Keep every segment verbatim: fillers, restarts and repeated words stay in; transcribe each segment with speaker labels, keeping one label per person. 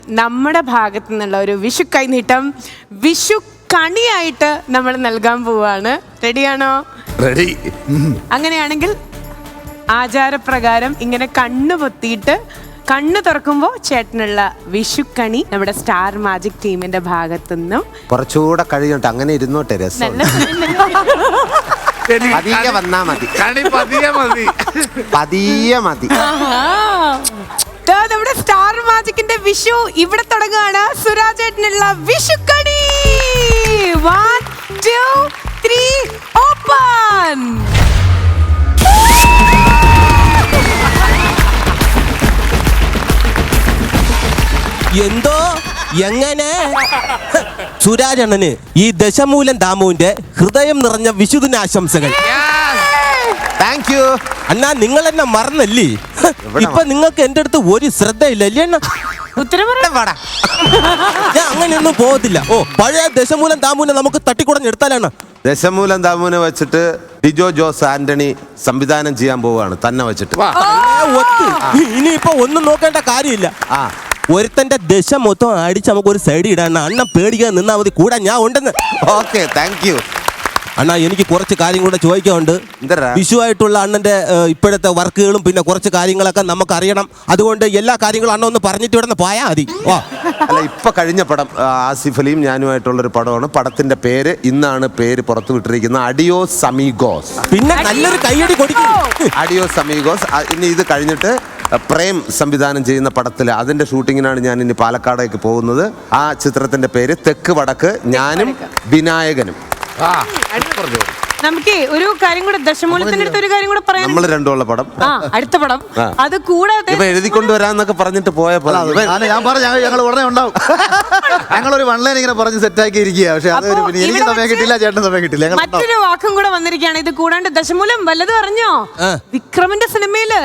Speaker 1: നമ്മുടെ ഭാഗത്തു നിന്നുള്ള ഒരു വിഷു കൈനീട്ടം വിഷു കണിയായിട്ട് നമ്മൾ നൽകാൻ പോവാണ്. റെഡിയാണോ?
Speaker 2: റെഡി.
Speaker 1: അങ്ങനെയാണെങ്കിൽ ആചാരപ്രകാരം ഇങ്ങനെ കണ്ണു പൊത്തിയിട്ട് കണ്ണു തുറക്കുമ്പോൾ ചേട്ടനുള്ള വിഷുക്കണി നമ്മുടെ സ്റ്റാർ മാജിക് ടീമിന്റെ ഭാഗത്തുനിന്നും
Speaker 3: കുറച്ചുകൂടെ കഴിയട്ടെ, അങ്ങനെ ഇരുന്നോട്ടെ, രസം പതിയെ വന്നാ മതി,
Speaker 2: കണി പതിയെ മതി,
Speaker 3: പതിയെ മതി.
Speaker 1: നമ്മുടെ സ്റ്റാർ മാജിക്കിന്റെ വിഷു ഇവിടെ തുടങ്ങുകയാണ്. സുരാജേട്ടനുള്ള വിഷുക്കണി. One two three open.
Speaker 4: എന്തോ എങ്ങനെ സുരാജണ്ണന് ഈ ദശമൂലം ദാമുവിന്റെ ഹൃദയം നിറഞ്ഞ വിശുദിനാശംസകൾ.
Speaker 3: താങ്ക് യു
Speaker 4: അണ്ണാ, നിങ്ങൾ എന്നെ മറന്നല്ലേ? ഇപ്പൊ നിങ്ങൾക്ക് എന്റെ അടുത്ത് ഒരു ശ്രദ്ധയില്ല അല്ലേ അണ്ണ? ഞാൻ അങ്ങനെയൊന്നും പോകത്തില്ല. ഓ, പഴയ ദശമൂലം ദാമുവിനെ നമുക്ക് തട്ടിക്കുടഞ്ഞെടുത്താലാണ്.
Speaker 3: ദശമൂലം ദാമുവിനെ വെച്ചിട്ട് ഡിജോ ജോസ് ആന്റണി സംവിധാനം ചെയ്യാൻ പോവുകയാണ്, തന്നെ വെച്ചിട്ട്.
Speaker 4: ഇനിയിപ്പോ ഒന്നും നോക്കേണ്ട കാര്യമില്ല.
Speaker 3: ആ,
Speaker 4: ഒരുത്തന്റെ ദശ മൊത്തം അടിച്ച് നമുക്ക് ഒരു സൈഡ് ഇടാൻ അണ്ണൻ പേടിക്കാൻ നിന്നാ മതി, കൂടെ ഞാൻ ഉണ്ടെന്ന്.
Speaker 3: ഓക്കെ, താങ്ക് യു
Speaker 4: അണ്ണാ. എനിക്ക് കുറച്ച് കാര്യം കൂടെ ചോദിക്കാനുണ്ട്. വിഷുവായിട്ടുള്ള അണ്ണന്റെ ഇപ്പോഴത്തെ വർക്കുകളും പിന്നെ കുറച്ച് കാര്യങ്ങളൊക്കെ നമുക്ക് അറിയണം. അതുകൊണ്ട് എല്ലാ കാര്യങ്ങളും അണ്ണ ഒന്ന് പറഞ്ഞിട്ട് ഇവിടെ നിന്ന് പോയാൽ മതി. ഓ
Speaker 3: അല്ല, ഇപ്പൊ കഴിഞ്ഞ പടം ആസിഫ് അലിയും ഞാനുമായിട്ടുള്ളൊരു പടമാണ്. പടത്തിന്റെ പേര് ഇന്നാണ് പേര് പുറത്തു വിട്ടിരിക്കുന്നത്, അഡിയോസ് അമീഗോസ്.
Speaker 4: പിന്നെ നല്ലൊരു കൈയടി കൊടുക്കും.
Speaker 3: അഡിയോസ് അമീഗോസ്. ഇനി ഇത് കഴിഞ്ഞിട്ട് പ്രേം സംവിധാനം ചെയ്യുന്ന പടത്തിൽ അതിന്റെ ഷൂട്ടിങ്ങിനാണ് ഞാൻ ഇനി പാലക്കാടേക്ക് പോകുന്നത്. ആ ചിത്രത്തിന്റെ പേര് തെക്ക് വടക്ക്, ഞാനും വിനായകനും.
Speaker 1: നമുക്ക് ഒരു കാര്യം കൂടെ, ദശമൂലത്തിന്റെ അടുത്ത് ഒരു കാര്യം കൂടെ പറയാം.
Speaker 3: നമ്മൾ രണ്ടുമുള്ള പടം,
Speaker 1: അടുത്ത പടം. അത് കൂടാതെ
Speaker 3: എഴുതിക്കൊണ്ടുവരാന്നൊക്കെ പറഞ്ഞിട്ട് പോയപ്പോൾ
Speaker 5: ഞാൻ പറഞ്ഞു ഞങ്ങൾ ഉടനെ ഉണ്ടാവും. ഞങ്ങളൊരു വൺലൈൻ ഇങ്ങനെ പറഞ്ഞ് സെറ്റാക്കി ഇരിക്കുക. പക്ഷെ അത് എനിക്ക് സമയം കിട്ടില്ല, ചേട്ടൻ സമയം കിട്ടില്ല.
Speaker 1: മറ്റൊരു വാക്കും കൂടെ വന്നിരിക്കുകയാണ്. ഇത് കൂടാണ്ട് ദശമൂലം വല്ലതും അറിഞ്ഞോ? വിക്രമിന്റെ സിനിമയില്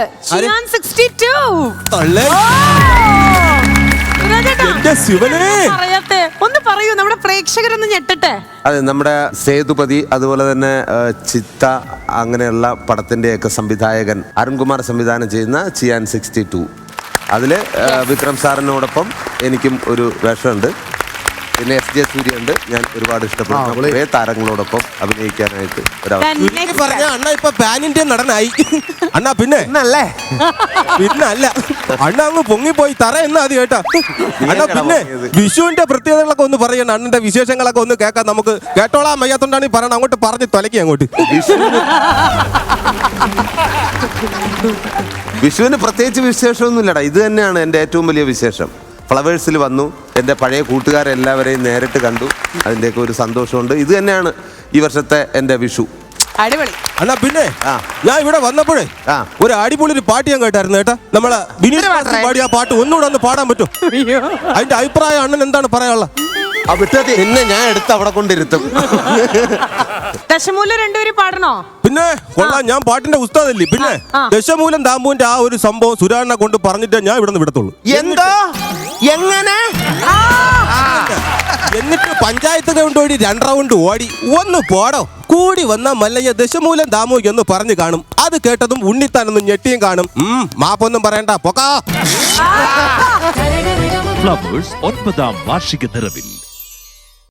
Speaker 1: പറയട്ടെ, ഒന്ന് പറയൂ, നമ്മുടെ പ്രേക്ഷകരൊന്ന് ഞെട്ടട്ടെ.
Speaker 3: അതെ, നമ്മുടെ സേതുപതി, അതുപോലെ തന്നെ ചിത്ത, അങ്ങനെയുള്ള പടത്തിന്റെയൊക്കെ സംവിധായകൻ അരുൺകുമാർ സംവിധാനം ചെയ്യുന്ന ചിയാൻ സിക്സ്റ്റി ടു. അതില് വിക്രം സാറിനോടൊപ്പം എനിക്കും ഒരു വേഷമുണ്ട്. പിന്നെ എസ് ജെ സൂര്യ ഉണ്ട്. ഞാൻ ഒരുപാട് ഇഷ്ടപ്പെടുന്ന കുറേ താരങ്ങളോടൊപ്പം അഭിനയിക്കാനായിട്ട്
Speaker 4: പറഞ്ഞ അണ്ണ ഇപ്പൊ പാനിന്റെ നടനായി അണ്ണാ. പിന്നെ പിന്നെ അല്ല അണ്ണ അങ്ങ് പൊങ്ങിപ്പോയി തറ എന്നാ അത് കേട്ടാ അണ്ണാ. പിന്നെ വിഷുവിന്റെ പ്രത്യേകതകളൊക്കെ ഒന്ന് പറയണം, അണ്ണന്റെ വിശേഷങ്ങളൊക്കെ ഒന്ന് കേൾക്കാൻ നമുക്ക്. കേട്ടോളാൻ വയ്യാത്തോണ്ടാണ് ഈ പറയണം, അങ്ങോട്ട് പറഞ്ഞ് തൊലക്കി അങ്ങോട്ട്.
Speaker 3: വിഷുവിന് പ്രത്യേകിച്ച് വിശേഷമൊന്നുമില്ലടാ, ഇത് തന്നെയാണ് എൻ്റെ ഏറ്റവും വലിയ വിശേഷം. ഫ്ലവേഴ്സിൽ വന്നു, എൻ്റെ പഴയ കൂട്ടുകാരെല്ലാവരെയും നേരിട്ട് കണ്ടു, അതിൻ്റെയൊക്കെ ഒരു സന്തോഷമുണ്ട്. ഇത് തന്നെയാണ് ഈ വർഷത്തെ എൻ്റെ വിഷു.
Speaker 1: അടിപൊളി
Speaker 4: അണ്ണാ. പിന്നെ ഞാൻ ഇവിടെ വന്നപ്പോഴേ ഒരു അടിപൊളി ഒരു പാട്ട് ഞാൻ കേട്ടായിരുന്നു കേട്ടാ. നമ്മളെ വിനീത് പാടിയ ആ പാട്ട് ഒന്നുകൂടെ ഒന്ന് പാടാൻ പറ്റും? അതിന്റെ അഭിപ്രായം അണ്ണൻ എന്താണ് പറയാനുള്ള?
Speaker 3: പിന്നെ ഞാൻ എടുത്ത് അവിടെ കൊണ്ടിരുത്തും.
Speaker 1: ദശമൂലം രണ്ടുപേരും പാടണോ?
Speaker 4: പിന്നെ കൊള്ളാം, ഞാൻ പാട്ടിന്റെ ഉസ്താദല്ലേ. പിന്നെ ദശമൂലം ദാമ്പുവിന്റെ ആ ഒരു സംഭവം സുരാനെ കൊണ്ട് പറഞ്ഞിട്ട് ഞാൻ ഇവിടെ നിന്ന് വിടത്തുള്ളൂ.
Speaker 3: എന്തോ എങ്ങനെ?
Speaker 4: എന്നിട്ട് പഞ്ചായത്ത് ഗ്രൗണ്ട് ഓടി രണ്ട് റൗണ്ട് ഓടി ഒന്ന് പോടോ കൂടി വന്ന മല്ലയ്യ ദശമൂലം ദാമു എന്ന് പറഞ്ഞു കാണും. അത് കേട്ടതും ഉണ്ണിത്താനൊന്നും ഞെട്ടിയും കാണും. ഉം മാപ്പൊന്നും പറയണ്ട, പൊക്കാ.
Speaker 6: ഫ്ലവേഴ്സ് ഒൻപതാം വാർഷിക നിറവിൽ